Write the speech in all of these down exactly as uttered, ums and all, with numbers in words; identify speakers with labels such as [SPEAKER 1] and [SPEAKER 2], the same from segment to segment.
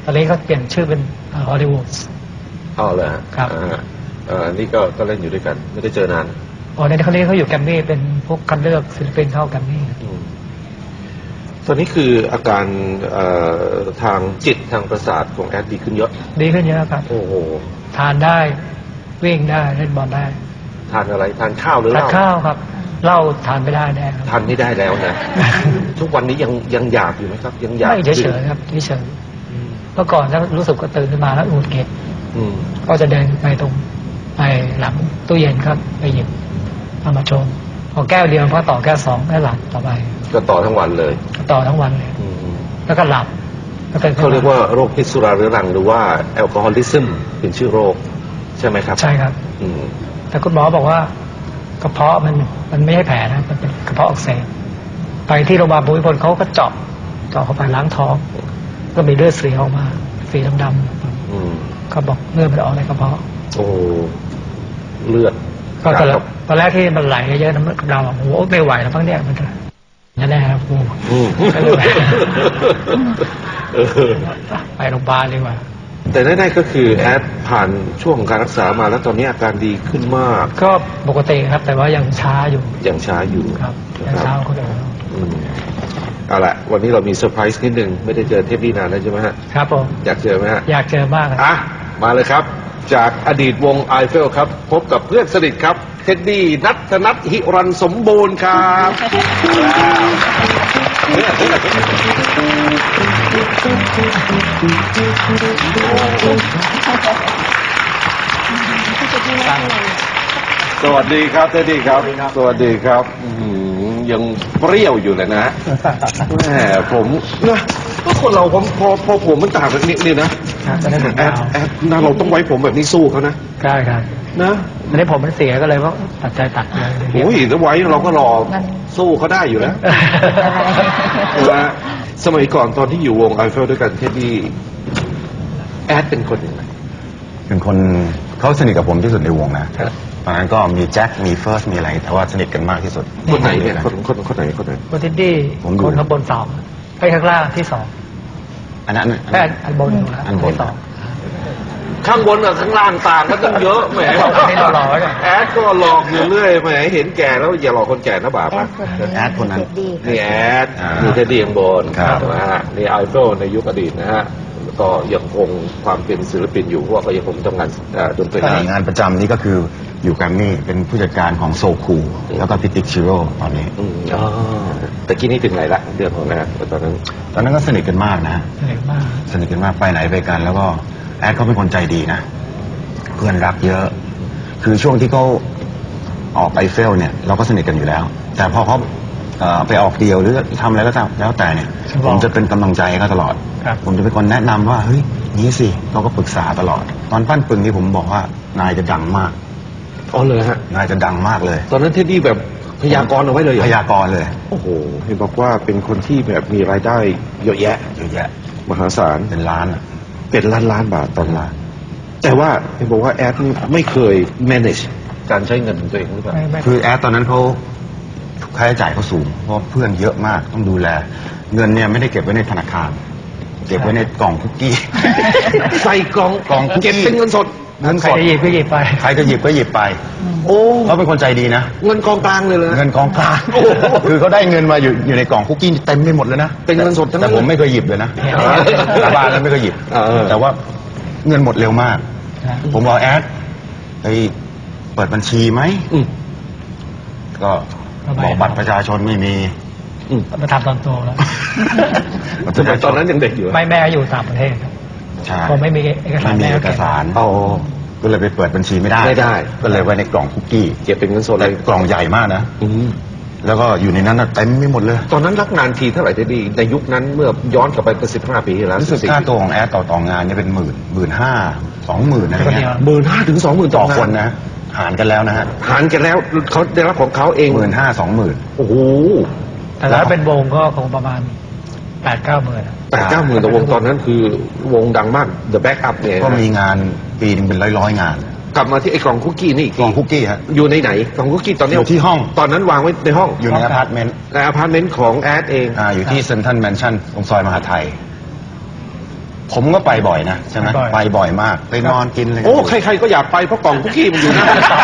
[SPEAKER 1] ตอนนี้เขาเปลี่ยนชื่อเป็นฮอลลีวูด
[SPEAKER 2] อ๋อเลย
[SPEAKER 1] ครับ
[SPEAKER 2] อ่านี่ก็ก็เล่นอยู่ด้วยกันไม่ได้เจอนาน
[SPEAKER 1] อ๋อในครั้งนี้เขาอยู่แกรมมี่เป็นพวกคัดเลือกศิลปินเข้าแกรมมี่
[SPEAKER 2] ตอนนี้คืออาการทางจิตทางประสาทของแอดดีขึ้นเยอะ
[SPEAKER 1] ดีขึ้นเยอะครับ
[SPEAKER 2] โอ้โห
[SPEAKER 1] ทานได้วิ่งได้เล่นบอลได้
[SPEAKER 2] ทานอะไรทานข้าวหรือเหล้า
[SPEAKER 1] ทานข้าวครับเหล้าทานไม่ได้แน่
[SPEAKER 2] ทานไม่ได้แล้วนะ ทุกวันนี้ยังยังอยากอยู่ไหมครับยังอยาก
[SPEAKER 1] ไม่เฉยๆครับเฉยๆเมื่อก่อนถ้ารู้สึกก็ตื่นขึ้นมาแล้วหงุดหงิดก็จะเดินไปตรงไปหลังตู้เย็นครับไปหยิบเอามาชงพอแก้วเดียวพอต่อแก้วสองได้หลับต่อไป
[SPEAKER 2] ก็ต่อทั้งวันเลย
[SPEAKER 1] ต่อทั้งวันเลยแล้วก็หลับ
[SPEAKER 2] เขาเรียกว่าโรคพิษสุราเรื้อรังหรือว่าแอลกอฮอลิซึมเป็นชื่อโรคใช่ไหมครับ
[SPEAKER 1] ใช่ครับแต่คุณหมอบอกว่ากระเพาะมันมันไม่ใช่แผลนะมันเป็นกระเพาะอักเสบไปที่โรงพยาบาลภูมิพลเขาก็เจาะเจาะเข้าไปล้างท้องก็มีเลือดสีออกมาสีดำๆเขาบอกเลือดมันออกในกระเพาะ
[SPEAKER 2] โอ้เลือด
[SPEAKER 1] ก็ตอนแรกตอนแรกที่มันไหลเยอะน้ำเราโอ้โหไม่ไหวแล้วพังเนี่ยมันนั่นแหละครับกูไปโรงพยาบาลดีกว่า
[SPEAKER 2] แต่แน่ๆก็คือแอดผ่านช่วงของการรักษามาแล้วตอนนี้อาการดีขึ้นมาก
[SPEAKER 1] ก็ปกติครับแต่ว่ายังช้าอยู่
[SPEAKER 2] ยังช้าอยู่
[SPEAKER 1] ครับยังช้าคนอื่น
[SPEAKER 2] เอาละวันนี้เรามีเซอร์ไพรส์นิดนึงไม่ได้เจอเทปนี้นานแล้วใช่ไหมฮะ
[SPEAKER 1] ครับผม
[SPEAKER 2] อยากเจอไหมฮะ
[SPEAKER 1] อยากเจอมาก
[SPEAKER 2] อ่ะมาเลยครับจากอดีตวงไอเฟลครับพบกับเพื่อนสนิทครับเท็ดดี้นัทนัทหิรันสมบูรณ์ครับสวัสดีครับเท็ดดี้ครับสวัสดีครับยังเปรี้ยวอยู่เลยนะแหมผมนะก็คนเราผมพอพอผมมันต่างกันนิดนึงนะแอดแอดนะเราต้องไว้ผมแบบนี้สู้เขานะ
[SPEAKER 1] ใช่ครับ
[SPEAKER 2] นะ
[SPEAKER 1] อันนี้ผมมันเสียก็เลยว่าตัดใจตัดเลย
[SPEAKER 2] โอ้ยแล้วไว้เราก็รอสู้เขาได้อยู่แล้วนะสมัยก่อนตอนที่อยู่วงไอเฟลด้วยกันเท็ดดี้แอดเป็นคนยังไง
[SPEAKER 3] เป็นคนเขาสนิทกับผมที่สุดในวงนะตอนนั้นก็มีแจ็คมีเฟิร์สมีอะไรแต่ว่าสนิทกันมากที่สุด
[SPEAKER 2] คนไหนเนี่ยคนคนคนไหนคนไหน
[SPEAKER 1] คนเท็ดดี้คนข้างบนสองไอ้ข้างล่างที่สอง
[SPEAKER 3] อันนั้น
[SPEAKER 1] แค่อันบนอยู่แล้ว
[SPEAKER 3] อันบน
[SPEAKER 1] สอง
[SPEAKER 2] ข้างบนกับข้างล่างต่างกันตั้งเยอะแหมแอดก็หลอกอยู่เรื่อยแหมเห็นแก่แล้วอย่าหลอกคนแก่นะบาปนะ
[SPEAKER 3] แอดคนนั้น
[SPEAKER 2] นี่แอดมีเท็ดดี้ข้างบนนะฮะนี่ไอเฟลในยุคอดีตนะฮะก็ยังคงความเป็นศิลปินอยู่เพราะว่าก็ยังคงทำงานดนตรี
[SPEAKER 3] งานประจำนี่ก็คืออยู่แกรมมี่เป็นผู้จัดการของโซคูแล้วก็พิติกชิโร่ตอนนี้
[SPEAKER 2] อ๋อแต่กี้นี่ถึงไหนละเรื่องของนะตอนนั้น
[SPEAKER 3] ตอนนั้นก็สนิทกันมากนะ
[SPEAKER 1] สนิทมาก
[SPEAKER 3] สนิทกันมากไปไหนไปกันแล้วก็แอดเขาเป็นคนใจดีนะเพื่อนรักเยอะคือช่วงที่เขาออกไอเฟลเนี่ยเราก็สนิทกันอยู่แล้วแต่พอเขาไปออกเดียวหรือทำอะไรก็ตามแล้วแต่เนี่ยผมจะเป็นกำลังใจเขาตลอดผมจะเป็นคนแนะนำว่าเฮ้ยนี้สิเขาก็ปรึกษาตลอดตอนปั้นปึงนี่ผมบอกว่านายจะดังมาก
[SPEAKER 2] อ๋อเลยฮะ
[SPEAKER 3] นายจะดังมากเลย
[SPEAKER 2] ตอนนั้นเท็ดดี้แบบพยากรณ์เอาไว้เลย
[SPEAKER 3] พยากรณ์เลย
[SPEAKER 2] โอ้โหเห็นบอกว่าเป็นคนที่แบบมีรายได้เยอะแยะ
[SPEAKER 3] เยอะแยะ
[SPEAKER 2] มหาศาล
[SPEAKER 3] เป็นล้าน
[SPEAKER 2] เป็นล้านล้านบาทตอนล้านแต่ว่าเห็นบอกว่าแอดไม่เคย manage การใช้เงินของตัวเองหรือเปล่า
[SPEAKER 3] คือแอดตอนนั้นเขาค่าใช้จ่ายเขาสูงเพราะเพื่อนเยอะมากต้องดูแลเงินเนี่ยไม่ได้เก็บไว้ในธนาคารเก็บไว้ในกล่องคุกกี้
[SPEAKER 2] ใส่กล่อง
[SPEAKER 3] กล่องคุกกี้
[SPEAKER 2] เก็บเป็นเงินสด
[SPEAKER 3] เงินสด
[SPEAKER 1] ใครจะหยิบก็หยิบไป
[SPEAKER 3] ใครจะหยิบก็หยิบไป
[SPEAKER 2] โอ้
[SPEAKER 3] เขาเป็นคนใจดีนะ
[SPEAKER 2] เงินกองกลางเลยเลย
[SPEAKER 3] เงินกองกลางคือเขาได้เงินมาอยู่อยู่ในกล่องคุกกี้เต็มไปหมดเลยนะ
[SPEAKER 2] เป็นเงินสดทั้ง
[SPEAKER 3] นั้นแต่ผมไม่เคยหยิบเลยนะสาบานแล้วไม่เคยหยิบแต่ว่าเงินหมดเร็วมากผมบอกแอดไปเปิดบัญชีไหมก็บอกบัตรประชาชนไม่มี
[SPEAKER 1] มาทำตอนโตแล้ว
[SPEAKER 2] ตอนนั้นยังเด็กอยู่
[SPEAKER 1] ไม่แม่อยู่ต่างประเทศ
[SPEAKER 3] ใช่
[SPEAKER 1] ผมไม่มีเอกสาร
[SPEAKER 3] ไม่มีเอกสารโอ้ก็เลยไปเปิดบัญชีไม่ได้
[SPEAKER 2] ไม่ได้
[SPEAKER 3] ก็เลยไว้ในกล่องคุกกี้
[SPEAKER 2] เก็บเป็นเงินสด
[SPEAKER 3] เลยกล่องใหญ่มากนะแล้วก็อยู่ในนั้นเต็มไม่หมดเลย
[SPEAKER 2] ตอนนั้นรับงานทีเท่าไหร่ได้ดีในยุคนั้นเมื่อย้อนกลับไปเป็นสิบห้าปีที่แล้ว
[SPEAKER 3] รู้สึกค่าตัวของแอดต่อต่องานเนี่ยเป็นหมื่นหมื่นห้าสองหมื่นอะไรเงี้ย
[SPEAKER 2] หมื่นห้าถึงสองหมื่น
[SPEAKER 3] ต่อคนนะหารกันแล้วนะฮะ
[SPEAKER 2] หารกันแล้วเขาได้รับของเขาเอง
[SPEAKER 3] หมื่นห้าสองหมื่น
[SPEAKER 2] โอ้โห
[SPEAKER 1] แต่ถ้าเป็นวงก็คงประมาณแปดเก้าหมื่น
[SPEAKER 2] แปดเก้าหมื่นแต่วงตอนนั้นคือวงดังมาก The Backup เนี่ย
[SPEAKER 3] ก็มีงานปีนึงเป็นร้อยร้อยงาน
[SPEAKER 2] กลับมาที่ไอ้กล่องคุกกี้นี่อีก
[SPEAKER 3] กล่องคุกกี้ฮะ
[SPEAKER 2] อยู่ในไหนกล่องคุกกี้ตอนนี้
[SPEAKER 3] อยู่ที่ห้อง
[SPEAKER 2] ตอนนั้นวางไว้ในห้อง
[SPEAKER 3] อยู่ในอพาร์ตเมนต์
[SPEAKER 2] ในอพาร์ตเมนต์ของแอดเอง
[SPEAKER 3] อ่าอยู่ที่เซ็นทรัลแมนชั่นตรงซอยมหาไทยผมก็ไปบ่อยนะใช่ไหม
[SPEAKER 1] ไปบ่อย
[SPEAKER 3] ไปบ่อยมากไปนอนกินอะไร
[SPEAKER 2] โอ้ใครๆก็อยากไปเพราะกล่องคุกกี้มันอยู่หน้า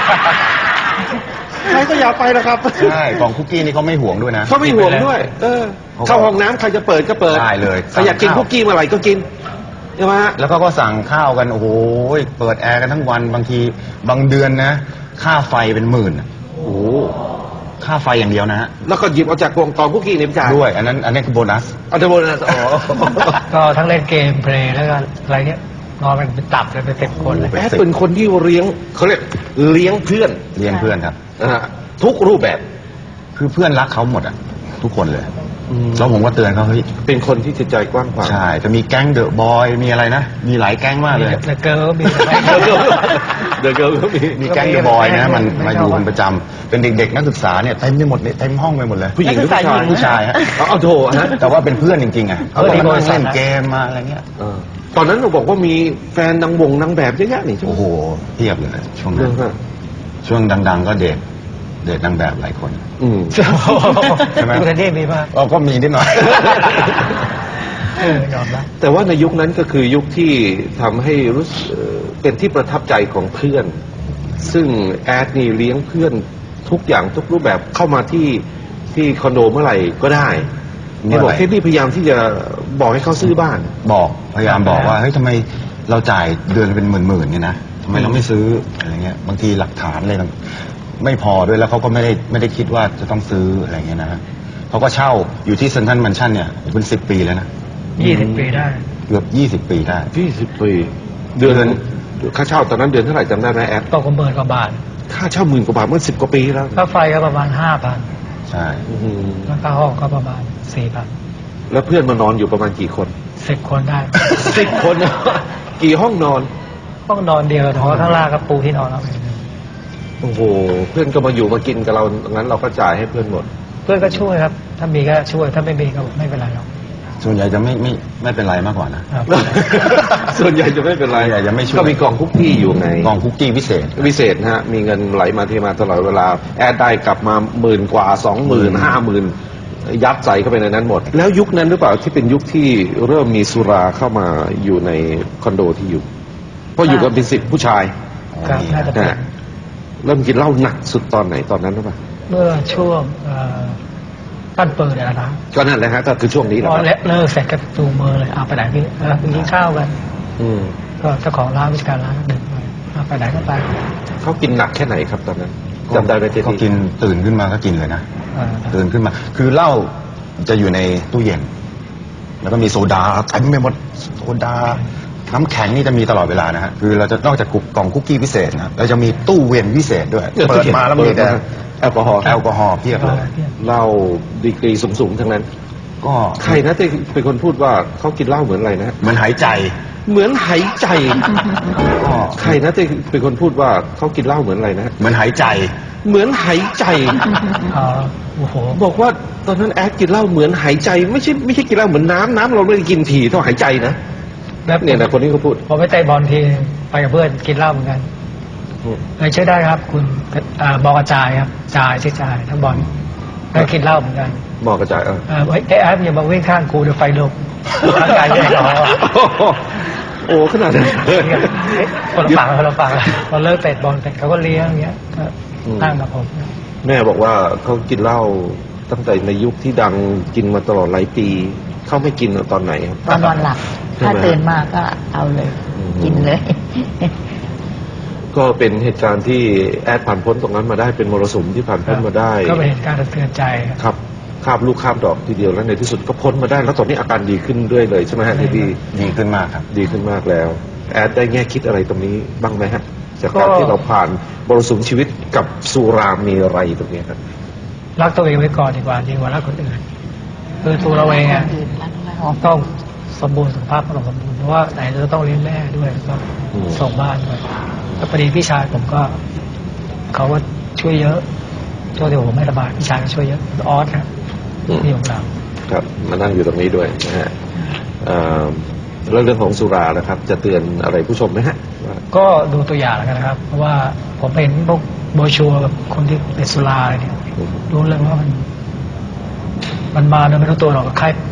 [SPEAKER 2] ใครก็อยากไปแล้วครับ
[SPEAKER 3] ใช่กล่องคุกกี้นี่เขาไม่ห่วงด้วยนะ
[SPEAKER 2] เขาไม่ห่วงด้วย เออ เข้าห้องน้ำใครจะเปิดก็เปิด
[SPEAKER 3] ได้เลย
[SPEAKER 2] ใครอยากกินคุกกี้เมื่อไหร่ก็กินใช่ไหมฮะ
[SPEAKER 3] แล้วก็ก็สั่งข้าวกันโอ้โหเปิดแอร์กันทั้งวันบางทีบางเดือนนะ ค่าไฟเป็นหมื่นอะ
[SPEAKER 2] โอ้
[SPEAKER 3] ค่าไฟอย่างเดียวนะฮะ
[SPEAKER 2] แล้วก็หยิบเอาจากกล่องกล่องคุกกี้ในพิจาร
[SPEAKER 3] ด้วย อันนั้นอันนี้คือโบนัส
[SPEAKER 2] เอาเทโบนะอ๋อ
[SPEAKER 1] ก็ทั้งเล่นเกมเพลย์แล้วก็อะไรเนี้ยนอนเป็นตับเลยเป็นเต็มคนเลย
[SPEAKER 2] แอดเป็นคนที่เลี้ยงเขาเรียกเลี้ยงเพื่อน
[SPEAKER 3] เลี้ยงเพื่อนครับ
[SPEAKER 2] นะฮะทุกรูปแบบ
[SPEAKER 3] คือเพื่อนรักเขาหมดอ่ะ ทุกคนเลยแล้วผมก็เตือนเขาเฮ้ย
[SPEAKER 2] เป็นคนที่จิตใจกว้างขวาง
[SPEAKER 3] ใช่จะมีแก๊งเดอะบอยมีอะไรนะ มีหลายแก๊งมากเลย
[SPEAKER 1] แต่เกิร์ลมี
[SPEAKER 2] เดอะเกิร์ลก็มี
[SPEAKER 3] มีแก๊งเดอะบอยนะมัน
[SPEAKER 1] ไม่
[SPEAKER 3] มา
[SPEAKER 1] ชอบ
[SPEAKER 3] อยู่เป็นประจำเป็นเด็กๆนักศึกษาเนี่ยเต็มไปหมดเลยเต็มห้องไปหมดเลย
[SPEAKER 2] ผู้หญิงหรือผู้ชาย
[SPEAKER 3] ผู้ชายฮะ
[SPEAKER 2] เอาเอาโถฮะ
[SPEAKER 3] แต่ว่าเป็นเพื่อนจริงๆอ่ะ
[SPEAKER 1] เออที่
[SPEAKER 3] เขา
[SPEAKER 1] บริษัท
[SPEAKER 3] เล่น
[SPEAKER 1] นะ
[SPEAKER 3] เกมมาอะไรเงี้ย
[SPEAKER 2] เออตอนนั้นเราบอกว่ามีแฟนนางวงนางแบบเยอะแยะนี่ใช่ไหม
[SPEAKER 3] โอ้โหเพียบเลยช่วง
[SPEAKER 2] เรื่
[SPEAKER 3] นั้
[SPEAKER 2] อน งฮะ
[SPEAKER 3] ช่วงดังๆก็เดทเดทนางแบบหลายคน
[SPEAKER 2] อืม
[SPEAKER 3] ใช่ไหม
[SPEAKER 1] คุณเทนนี่มีป่ะ
[SPEAKER 3] อ๋อก็มีนิดหน่อย
[SPEAKER 1] เออยอมรับ
[SPEAKER 2] แต่ว่าในยุคนั้นก็คือยุคที่ทำให้รู้สึกเอ่อเป็นที่ประทับใจของเพื่อน ซึ่งแอดนี่เลี้ยงเพื่อนทุกอย่างทุกรูปแบบเข้ามาที่ที่คอนโดเมื่อไหร่ก็ได้
[SPEAKER 3] เมื่
[SPEAKER 2] นี่
[SPEAKER 3] อไหร่
[SPEAKER 2] บอกเทดดี้พยายามที่จะบอกให้เขาซื้อบ้าน
[SPEAKER 3] บอกพยายามบอกว่าเฮ้ยทำไมเราจ่ายเดือนเป็นหมื่นๆเนี่ยนะทำไมเราไม่ซื้ออะไรเงี้ยบางทีหลักฐานอะไรต่างไม่พอด้วยแล้วเขาก็ไม่ได้ไม่ได้คิดว่าจะต้องซื้ออะไรเงี้ยนะเขาก็เช่าอยู่ที่เซนทรัลแมนชั่นเนี่ยเป็นสิบปีแล้วนะ
[SPEAKER 1] ยี่สิบปีได้
[SPEAKER 3] เกือบยี่สิบปีได้
[SPEAKER 2] ยี่สิบปี เดือนค่าเช่าตอนนั้นเดือนเท่าไหร่จำได้ไหมแอด
[SPEAKER 1] ตกกันเบิร์กว่าบาท
[SPEAKER 2] ค่าเช่าหมื่นกว่าบาทเมื่อสิบกว่าปีแล้ว
[SPEAKER 1] ค่าไฟก็ประมาณห้าพัน
[SPEAKER 3] ใช่
[SPEAKER 2] อื้อหือ
[SPEAKER 1] แล้วค่าห้องก็ประมาณสี่พัน
[SPEAKER 2] แล้วเพื่อนมานอนอยู่ประมาณกี่คน
[SPEAKER 1] สิบคนได้
[SPEAKER 2] สิบคนนะกี่ห้องนอน
[SPEAKER 1] ห้องนอนเดียวแต่ว่าข้างล่างก็ปูที่นอนเราเอง
[SPEAKER 2] โอ้โห เพื่อนก็มาอยู่มากินกับเรางั้นเราก็จ่ายให้เพื่อนหมด
[SPEAKER 1] เพื่อนก็ช่วยครับ ถ้ามีก็ช่วย ถ้าไม่มีก็ไม่เป็นไรหรอก
[SPEAKER 3] ส่วนใหญ่จะไม่ไม่ไม่เป็นไรมากกว่านะ
[SPEAKER 1] ครับ
[SPEAKER 2] ส่วนใหญ่จะไม่เป็นไร
[SPEAKER 3] ส่วนใหญ่จะไม่ช่วย
[SPEAKER 2] ก็มีกล่องคุกกี้อยู่ไง
[SPEAKER 3] กล่องคุกกี้พิเศษ
[SPEAKER 2] พิเศษนะฮะ มีเงินไหลมาเทมาตลอดเวลา แอดได้กลับมาหมื่นกว่าสองหมื่นห้าหมื่นยัดใส่เข้าไปในนั้นหมด แล้วยุคนั้นหรือเปล่าที่เป็นยุคที่เริ่มมีสุราเข้ามาอยู่ในคอนโดที่อยู่ เพราะอยู่กันเป็นสิบผู้ชาย
[SPEAKER 1] ครับน่าจะเป็น
[SPEAKER 2] นะฮะเริ่มกินเหล้าหนักสุดตอนไหนตอนนั้นหรือเปล่า
[SPEAKER 1] เมื่อช่วงเอ่อปั้นเปิดเนี่ยนะ
[SPEAKER 2] ก็นั่นแหละฮะก็คือช่วงนี้แห
[SPEAKER 1] พ
[SPEAKER 2] ละ
[SPEAKER 1] อ
[SPEAKER 2] ครับ
[SPEAKER 1] เลิกเสร็จก็จูงมือเลยเอาไปไหนพี่เออไปกินข้าวกัน
[SPEAKER 2] อืม
[SPEAKER 1] ก็เจ้าของร้านวิชการร้านก็ดึงไปเอาไปไหนก็ไป
[SPEAKER 2] เขากินหนักแค่ไหนครับตอนนั้นจำได้ไหมเจ
[SPEAKER 3] ก็
[SPEAKER 2] ดี
[SPEAKER 3] กินตื่นขึ้นมาก็กินเลยนะ
[SPEAKER 1] เออ
[SPEAKER 3] ตื่นขึ้นมา คือเหล้าจะอยู่ในตู้เย็น แล้วก็มีโซดาเต็มไปหมดโซดา น้ำแข็งนี่จะมีตลอดเวลานะฮะ คือเราจะนอกจากกล่องคุกกี้พิเศษนะเราจะมีตู้เวียนพิเศษด้วย เปิดมาแล้วมีแต่
[SPEAKER 2] แอลกอฮอล์
[SPEAKER 3] แอลกอฮอล์เพียบเลย
[SPEAKER 2] เหล้าดีกรีสูงๆทั้งนั้น
[SPEAKER 3] ก็
[SPEAKER 2] ใครนะที่เป็นคนพูดว่าเขากินเหล้าเหมือนอะไรนะ
[SPEAKER 3] เหมือนหายใจ
[SPEAKER 2] เหมือนหายใจ
[SPEAKER 3] ก็
[SPEAKER 2] ใครนะที่เป็นคนพูดว่าเขากินเหล้าเหมือนอะไรนะ
[SPEAKER 3] เหมือนหายใจ
[SPEAKER 2] เหมือนหายใจ
[SPEAKER 1] อ๋อโอ้โห
[SPEAKER 2] บอกว่าตอนนั้นแอดกินเหล้าเหมือนหายใจ ไม่ใช่ไม่ใช่กินเหล้าเหมือนน้ำน้ำเราไม่ได้กินถี่เท่าหายใจนะ
[SPEAKER 1] แล้ว
[SPEAKER 2] เนี่ยนะคนนี้เขาพูด
[SPEAKER 1] พอไปเตะบอลทีไปกับเพื่อนกินเหล้าเหมือนกันเลยช่วยได้ครับ คุณอ่าบอกกระจายครับจ่ายช่วยจ่ายทั้งบอลแล้วกินเหล้าเหมือนกัน
[SPEAKER 2] บอกกระจายเออ
[SPEAKER 1] เออไอ้ไอ้แอปอย่ามาวิ่งข้างกูเดี๋ยวไฟลุกร่างกายจะร้อน
[SPEAKER 2] โอ้ขนาดนั้นเลย
[SPEAKER 1] คนละฝั่งคนละฝั่งพอเลิกเตะบอลเสร็จเขาก็เลี้ยงอย่างเงี้ยก็นั่งกับผม
[SPEAKER 2] แม่บอกว่าเขากินเหล้าตั้งแต่ในยุคที่ดังกินมาตลอดหลายปี เขาไม่กินตอนไหนครับ
[SPEAKER 4] ตอนนอนหลับ
[SPEAKER 2] ใช่ไหม
[SPEAKER 4] ถ้าตื่นมาก็เอาเลย
[SPEAKER 2] อืม
[SPEAKER 4] กินเลย
[SPEAKER 2] ก็เป็นเหตุการณ์ที่แอดผ่านพ้นตรงนั้นมาได้เป็นมรสุมที่ผ่านพ้นมาได้
[SPEAKER 1] ก็เป็นเหตุการณ์สะเทือนใจครับ
[SPEAKER 2] ครับข้ามลูกข้ามดอกทีเดียวแล้วในที่สุดก็พ้นมาได้แล้วตอนนี้อาการดีขึ้นเรื่อยเลยใช่ไหมฮะที่ดี
[SPEAKER 3] ดีขึ้นมากครับ
[SPEAKER 2] ดีขึ้นมากแล้ว แอดได้แง่คิดอะไรตรงนี้บ้างไหมฮะจากการที่เราผ่านมรสุมชีวิตกับสุรามีอะไรตรงนี้ครับ
[SPEAKER 1] รักตัวเองไว้ก่อนดีกว่าดีกว่ารักคนอื่นคือตัวเราเองอะ
[SPEAKER 4] อื่นรักเรา
[SPEAKER 1] ต้องสมบูรณ์สุขภาพต้องสมบูรณ์เพราะว่าไหนจะต้องเลี้ยงแม่ด้วยก็
[SPEAKER 2] อืม
[SPEAKER 1] ส่งบ้านด้วยแล้วพอดีพี่ชายผมก็เขาว่าช่วยเยอะช่วยที่ผมไม่สบายพี่ชายก็ช่วยเยอะออสครับนี่ของเรา
[SPEAKER 2] ครับมานั่งอยู่ตรงนี้ด้วยนะฮะเอ่อแล้วเรื่องของสุรานะครับ จะเตือนอะไรผู้ชมไหมฮะว่า
[SPEAKER 1] ก็ดูตัวอย่างแล้วกันนะครับ เพราะว่าผมเห็นพวกโบรชัวร์แบบคนที่เป็นสุราอะไรเนี่ยรู้เลยว่ามัน มันมาโดยไม่รู้ตัวหรอกใคร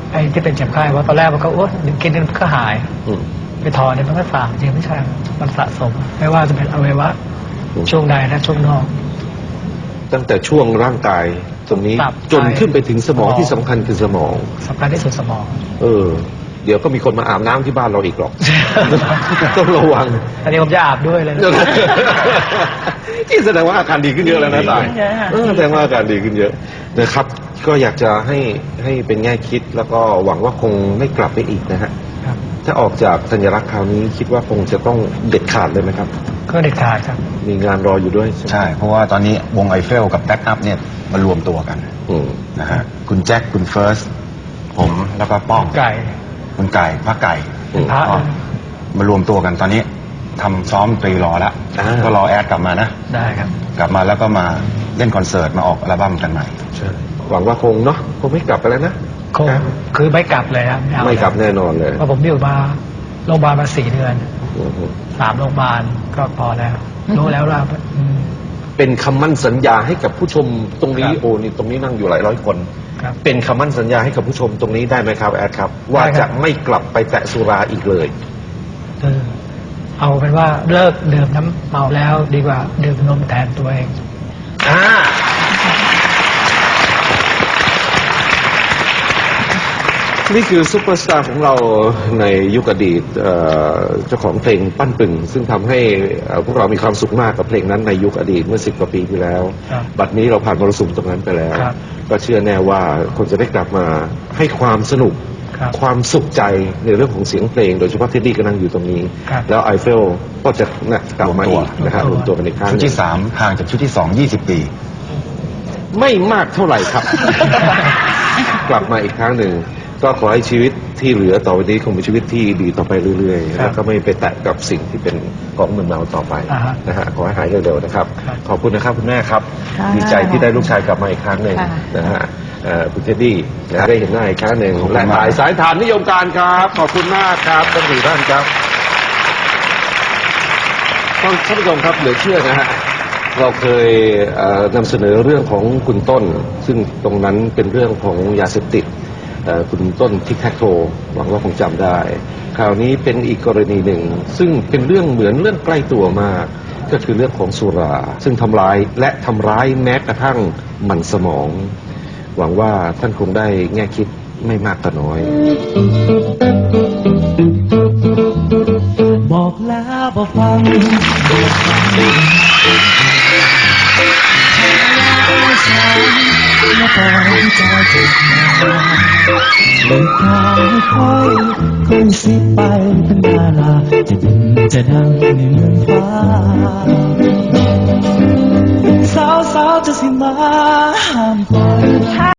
[SPEAKER 1] ไอ้ที่เป็นเจ็บไข้ว่าตอนแรกมันก็อ้วนกินมันก็หาย
[SPEAKER 2] อืม
[SPEAKER 1] ไปถอนเนี่ยมันก็สางจริงไม่ใช่มันสะสม ไม่ว่าจะเป็นอวัยวะช่วงใดและช่วงนอก
[SPEAKER 2] ตั้งแต่ช่วงร่างกายตรงนี้
[SPEAKER 1] ตับ
[SPEAKER 2] จนขึ้นไปถึงสมอง
[SPEAKER 1] สมอง
[SPEAKER 2] ที่สำคัญคือสมอง
[SPEAKER 1] สำคัญที่สุดสมอง
[SPEAKER 2] เออ เดี๋ยวก็มีคนมาอาบน้ำที่บ้านเราอีกหรอก ต้องระวัง
[SPEAKER 1] อันนี้ผมจะอาบด้วยเลยนะ
[SPEAKER 2] ที่แสดงว่าอาการดีขึ้นเยอะแล้วนะตาย
[SPEAKER 1] เยอะค่ะ
[SPEAKER 2] เออแสดงว่าอาการดีขึ้นเยอะนะครับ ก็อยากจะให้ให้เป็นแง่คิดแล้วก็หวังว่าคงไม่กลับไปอีกนะฮะ
[SPEAKER 1] ครับ
[SPEAKER 2] ถ้าออกจากสัญลักษณ์คราวนี้คิดว่าคงจะต้องเด็ดขาดเลยไหมครับ
[SPEAKER 1] ก็เด็ดขาดครับ
[SPEAKER 2] มีงานรออยู่ด้วยใช่ไหม
[SPEAKER 3] ใช่ เพราะว่าตอนนี้วงไอเฟลกับแบ็กอัพเนี่ยมารวมตัวกัน
[SPEAKER 2] อืม
[SPEAKER 3] นะฮะคุณแจ็คคุณเฟิร์สผมแล้วก็ป้อง
[SPEAKER 1] ไก่
[SPEAKER 3] คุณไก่พระไก่
[SPEAKER 2] อืม
[SPEAKER 1] พระ
[SPEAKER 3] ก็มารวมตัวกันตอนนี้ทำซ้อมดนตรีรอแล้ว
[SPEAKER 2] อ่า
[SPEAKER 3] ก็รอแอดกลับมานะ
[SPEAKER 1] ได้ครับ
[SPEAKER 3] กลับมาแล้วก็มาเล่นคอนเสิร์ตมาออกอัลบั้มกันใหม่
[SPEAKER 2] ใช่หวังว่าคงเนาะคงไม่กลับไปแล้วนะ
[SPEAKER 1] คงคือไม่กลับเลยครับเอา
[SPEAKER 2] ไม่กลับแน่นอนเลย
[SPEAKER 1] เพราะผมอยู่มาโรงพยาบาลมาสี่เดือน
[SPEAKER 2] อืม
[SPEAKER 1] สามโรงพยาบาลก็พอแล้ว รู้แล้วว่าอืม
[SPEAKER 2] เป็นคำมั่นสัญญาให้กับผู้ชมตรงนี้
[SPEAKER 1] ครับ
[SPEAKER 2] โอ้นี่ตรงนี้นั่งอยู่หลายร้อยคน
[SPEAKER 1] ครับ
[SPEAKER 2] เป็นคำมั่นสัญญาให้กับผู้ชมตรงนี้ได้ไหมครับแอดครับ ว่า
[SPEAKER 1] ได้ครั
[SPEAKER 2] จะ
[SPEAKER 1] บ
[SPEAKER 2] ไม่กลับไปแตะสุราอีกเลย
[SPEAKER 1] เออเอาเป็นว่าเลิกดื่มน้ำเมาแล้วดีกว่าดื่มนมแทนตัวเอง
[SPEAKER 2] อ่า นี่คือซุปเปอร์สตาร์ของเราในยุคอดีตเอ่อเจ้าของเพลงปั้นปึ่ง ซึ่งทำให้เอ่อพวกเรามีความสุขมากกับเพลงนั้นในยุคอดีตเมื่อสิบกว่าปีที่แล้ว
[SPEAKER 1] ครับ
[SPEAKER 2] บัดนี้เราผ่านมรสุมตรงนั้นไปแล้ว
[SPEAKER 1] ครับ
[SPEAKER 2] ก็เชื่อแน่ว่าคนจะได้กลับมาให้ความสนุก
[SPEAKER 1] ครับ
[SPEAKER 2] ความสุขใจในเรื่องของเสียงเพลง โดยเฉพาะเท็ดดี้ก็นั่งอยู่ตรงนี้
[SPEAKER 1] ครับ
[SPEAKER 2] แล้วไอเฟลก็จะนะกลับมาอีกนะฮะ
[SPEAKER 1] ร
[SPEAKER 2] ร
[SPEAKER 1] ว
[SPEAKER 2] ว
[SPEAKER 1] ม
[SPEAKER 2] ม
[SPEAKER 1] ตั
[SPEAKER 2] ตัว
[SPEAKER 1] ว
[SPEAKER 2] กันอีกครั้ง
[SPEAKER 3] ชุด
[SPEAKER 2] หนึ่
[SPEAKER 3] ที่
[SPEAKER 2] ง
[SPEAKER 3] สามห่างจากชุดที่สองยี่สิบปี
[SPEAKER 2] ไม่มากเท่าไหร่ครับ กลับมาอีกครั้งหนึ่ง ก็ขอให้ชีวิตที่เหลือต่อไปนี้คงเป็นชีวิตที่ดีต่อไปเรื่อยๆ
[SPEAKER 1] ครับ
[SPEAKER 2] แล้วก็ไม่ไปแตะกับสิ่งที่เป็นของมึนเมาต่อไป
[SPEAKER 1] อ่าฮะ
[SPEAKER 2] นะฮะขอให้หายเร็วๆนะครับ
[SPEAKER 1] ครับ
[SPEAKER 2] ขอบคุณนะครับคุณแม่ครับ
[SPEAKER 4] ค่ะ
[SPEAKER 2] ดีใจที่ได้ลูกชายกลับมาอีกครั้งหนึ่ง
[SPEAKER 4] ค่ะ
[SPEAKER 2] นะฮะเอ่อคุณเท็ดดี้นะได้เห็นหน้าอีกครั้งหนึ่ง
[SPEAKER 3] ขอบคุณ
[SPEAKER 2] และ
[SPEAKER 3] มาก
[SPEAKER 2] สายสายฐานนิยมการครับ ขอบคุณมากครับทั้งสี่ท่านครับท่านผู้ชมครับเหลือเชื่อนะฮะ เราเคยเอ่อนำเสนอเรื่องของคุณต้น ซึ่งตรงนั้นเป็นเรื่องของยาเสพติดเอ่อคุณต้นทิกแท็กโทหวังว่าคงจำได้ คราวนี้เป็นอีกกรณีหนึ่ง ซึ่งเป็นเรื่องเหมือนเรื่องใกล้ตัวมาก ก็คือเรื่องของสุรา ซึ่งทำร้ายและทำร้ายแม้กระทั่งมันสมอง หวังว่าท่านคงได้แง่คิดไม่มากก็น้อย
[SPEAKER 5] บอกแล้วบ่ฟังไม่สอนและปล่อยใจเจ็บมาเลยทางค่อยค่อยสิไปเป็นดาราจะดินจะดังในเมืองฟ้าสาวสาวๆจะสิมาห้ามคอย